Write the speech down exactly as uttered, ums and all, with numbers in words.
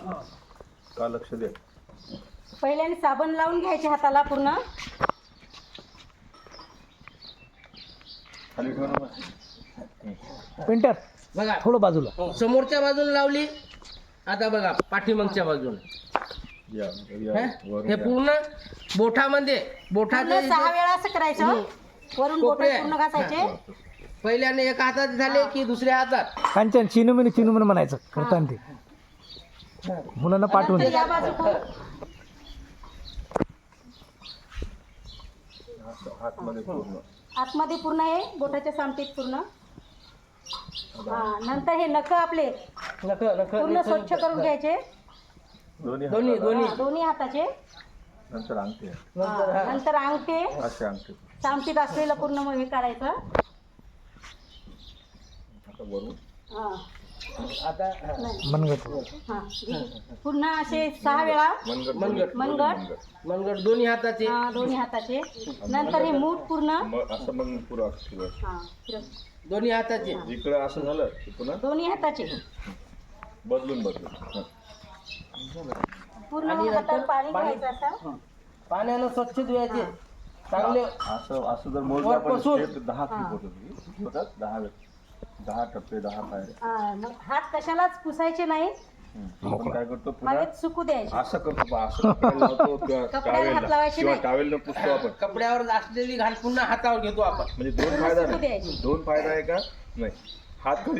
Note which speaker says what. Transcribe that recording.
Speaker 1: का लक्ष दे.
Speaker 2: पहिल्याने साबण लावून घ्यायचे हाताला पूर्ण.
Speaker 1: खाली ठेव ना.
Speaker 3: पेंटर
Speaker 4: बघा
Speaker 3: थोडं बाजूला.
Speaker 4: समोरच्या बाजूला लावली. आता बघा पाठीमागच्या बाजूला.
Speaker 1: या, या,
Speaker 4: हे
Speaker 1: वरून
Speaker 4: हे
Speaker 1: या.
Speaker 4: पूर्ण बोठामध्ये बोठाचे
Speaker 2: पूर्ण सहा वेळा असं करायचं. वरून बोट
Speaker 4: कोपरे.
Speaker 2: पूर्ण घासायचे.
Speaker 4: पहिल्याने एका हातात झाले की दुसऱ्या हातात.
Speaker 3: कांचन चिनुमिनी चिनुमिनी म्हणायचं करताना ते मुलांना पाठवून
Speaker 2: नंतर
Speaker 3: द्या.
Speaker 2: या बाजूकडून
Speaker 1: असं आतमध्ये पूर्ण.
Speaker 2: आतमध्ये पूर्ण हे बोटाच्या सामटीत पूर्ण. हा नंतर हे नख आपले
Speaker 4: नख नख
Speaker 2: पूर्ण स्वच्छ करून घ्यायचे.
Speaker 1: दोन्ही
Speaker 4: दोन्ही
Speaker 1: हाताला.
Speaker 4: दोन्ही
Speaker 2: हा, दोन्ही हाताचे.
Speaker 1: नंतर अंगठी.
Speaker 4: नंतर
Speaker 2: हा,
Speaker 4: हा.
Speaker 2: नंतर अंगठे
Speaker 1: असे अंगठी.
Speaker 2: सामटीत असलेलं पूर्ण मग हे काढायचं.
Speaker 1: आता वरून.
Speaker 2: हा
Speaker 4: आता हा.
Speaker 2: नाही.
Speaker 3: मनगट.
Speaker 2: हा पूर्ण असे सहा वेळा
Speaker 1: मनगट.
Speaker 4: मनगट.
Speaker 2: मनगट.
Speaker 4: मनगट दोन्ही हाताचे.
Speaker 2: हा, दोन्ही हाताचे. नंतर हे मूठ पूर्ण.
Speaker 1: मग असं मग पुरं असं फिरव.
Speaker 2: हा फिरव.
Speaker 4: दोन्ही हाताचे.
Speaker 1: इकडं असं झालं की पुन्हा
Speaker 2: दोन्ही हाताचे
Speaker 1: बदलून बदलून. हं.
Speaker 2: पूर्ण
Speaker 4: आणि
Speaker 2: हातात
Speaker 4: नंतर
Speaker 2: पाणी
Speaker 4: पाणी-
Speaker 2: घ्यायचं असं.
Speaker 4: पाण्यानं स्वच्छ धुवायचे. चांगले
Speaker 1: असं असं जर मोजलं आपण
Speaker 4: वरपासून.
Speaker 1: स्टेप दहा क्लिप होतात. किती होतात? दहा दहा टप्पे दहा पायऱ्या.
Speaker 2: हा, मग हात कशालाच पुसायचे नाही.
Speaker 1: हं. आपण काय करतो पुन्हा
Speaker 2: हवेत सुकू द्यायचे.
Speaker 1: असं करतो बा, असं कपड्याला लावतो किंवा
Speaker 2: कपड्याला हात
Speaker 1: टावेलला
Speaker 2: लावायचे
Speaker 1: किंवा
Speaker 2: नाही.
Speaker 1: टावेलनं पुसतो आपण.
Speaker 4: कपड्यावर असलेली घाण पुन्हा हातावर घेतो आपण.
Speaker 1: म्हणजे दोन
Speaker 2: पूर्ण
Speaker 1: फायदा
Speaker 2: सुकू
Speaker 1: नाही.
Speaker 2: द्यायचे.
Speaker 1: दोन फायदा आहे का नाही. हात